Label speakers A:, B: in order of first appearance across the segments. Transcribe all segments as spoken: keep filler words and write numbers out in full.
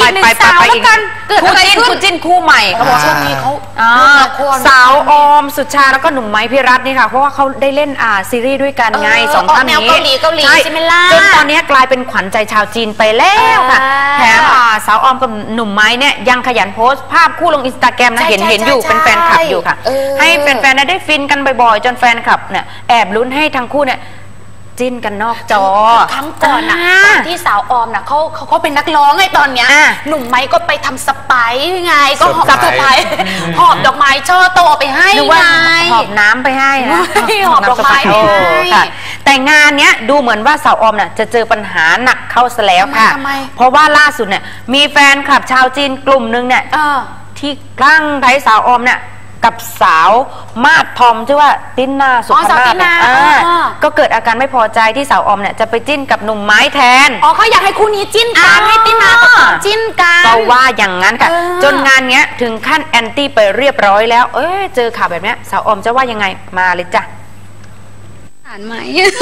A: ไปไปไปอีกคู่จิ้นคู่จิ้นคู่ใหม่เขาบอกช่วงนี้เขาสาวออมสุชาแล้วก็หนุ่มไม้พิรัตน์นี่ค่ะเพราะว่าเขาได้เล่นอ่าซีรีส์ด้วยกันไงสองท่านนี้เกาหลีเกาหลีใช่ไหมล่ะจนตอนนี้กลายเป็นขวัญใจชาวจีนไปแล้วค่ะแถมสาวออมกับหนุ่มไม้เนี่ยยังขยันโพสต์ภาพคู่ลงอินสตาแกรมนะเห็นเห็นอยู่เป็นแฟนคลับอยู่ค่ะให้แฟนๆได้ฟินกันบ่อยๆจนแฟนคลับเนี่ยแอบลุ้นให้ทั้งคู่เนี่ยจิ้นกันนอกจอ
B: ครั้งก่อนนะที่สาวออมนะเขาเขาเขาเป็นนักร้องไงตอนเนี้ยหนุ่มไม้ก็ไปทำสไปไงก็หอบสไปหอบดอกไม้ช่อโตไปให้ไง
A: หอบน้ำไปให้นะ
B: หอบดอกไม้ไปให้
A: แต่งานเนี้ยดูเหมือนว่าสาวออมน่ะจะเจอปัญหาหนักเข้าซะแล้วค่ะเพราะว่าล่าสุดเนี่ยมีแฟนคลับชาวจีนกลุ่มนึงเนี่ยที่คลั่งไคล้สาวออมเนี่ยกับสาวมาดทอมชื่อว่าตินนาสุภาพก็เกิดอาการไม่พอใจที่สาวออมเนี่ยจะไปจิ้นกับหนุ่มไม้แทน
B: อ๋อเขาอยากให้คู่นี้จิ้นกันให้ตินนากับจิ้นกัน
A: ก็ว่าอย่างนั้นค่ะจนงานเนี้ยถึงขั้นแอนตี้ไปเรียบร้อยแล้วเอ้ยเจอข่าวแบบนี้สาวออมจะว่ายังไงมาเลยจ้ะ
C: อ่านไหม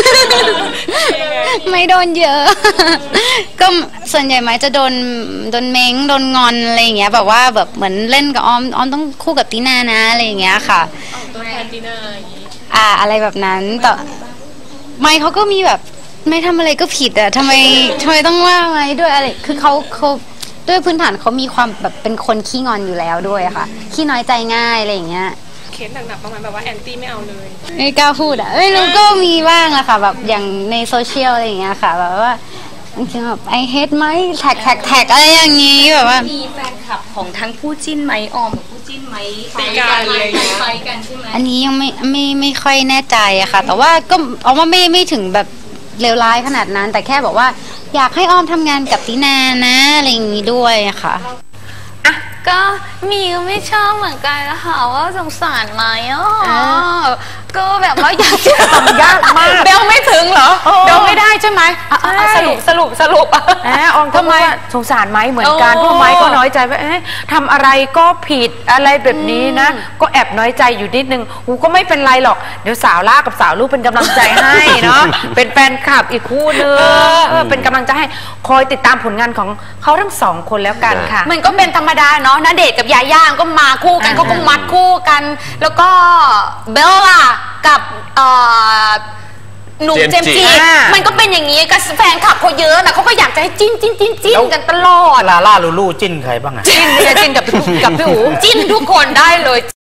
C: ไม่โดนเยอะก็ส่วนใหญ่ไหมจะโดนโดนเม้งโดนงอนอะไรอย่างเงี้ยแบบว่าแบบเหมือนเล่นกับออมออมต้องคู่กับตีนานะอะไรอย่างเงี้ยค่ะตัวแทนตีนาอ่าอะไรแบบนั้นแต่ไม่เขาก็มีแบบไม่ทำอะไรก็ผิดอ่ะทำไมทำไมต้องว่าไหมด้วยอะไรคือเขาเขาด้วยพื้นฐานเขามีความแบบเป็นคนขี้งอนอยู่แล้วด้วยค่ะขี้น้อยใจง่ายอะไรอย่างเงี้ย
D: เคสหนักๆประมาณแบบว่าแอนตี้ไม่เอาเลย
C: ไม่กล้าพูดอ่ะไม่รู้ก็มีบ้างอะค่ะแบบอย่างในโซเชียลอะไรอย่างเงี้ยค่ะแบบว่าจริงๆแบบไอเฮดไหมแท็กแท็กแท็กอะไรอย่างงี้แบบว่า
E: มีแฟนคลับของทั้งคู่จิ้นไหมออมกับคู่จิ้นไหมไปกันอะไรไปกันใช่ไหม
C: อันนี้ยังไม่ไม่ไม่ค่อยแน่ใจอะค่ะแต่ว่าก็เอาว่าไม่ไม่ถึงแบบเลวร้ายขนาดนั้นแต่แค่บอกว่าอยากให้ออมทำงานกับตินานะอะไรอย่างงี้ด้วยอะค่ะ
B: ก็มีก็ไม่ชอบเหมือนกันนะคะว่าสงสารไหมอ๋อก็แบบว่าอยากจะ
A: ทำยากมาก
B: เบลไม่ถึงเหรอเบลไม่ได้ใช่ไหมสรุปสรุปสรุป
A: แอบออมทำไมสงสารไหมเหมือนกันพวกไม้ก็น้อยใจว่าทำอะไรก็ผิดอะไรแบบนี้นะก็แอบน้อยใจอยู่นิดนึงกูก็ไม่เป็นไรหรอกเดี๋ยวสาวล่ากับสาวลูกเป็นกำลังใจให้เนาะเป็นแฟนคลับอีกคู่นึงเป็นกำลังใจให้คอยติดตามผลงานของเขาทั้งสองคนแล้วกันค่ะ
B: มันก็เป็นธรรมดาเนาะณเดชน์กับยาย่าก็มาคู่กันเขาก็มัดคู่กันแล้วก็เบลล่ะกับหนุ่มเจมส์จีมันก็เป็นอย่างนี้กับแฟนคลับเขาเยอะนะเขาก็อยากจะให้จิ้นจิ้นจิ้นจิ้นกันตลอด
F: ลาล่าลูลูจิ้นใครบ้างอะ
B: จิ้นเนี่ยจิ้นกับกับพี่อู๋จิ้นทุกคนได้เลย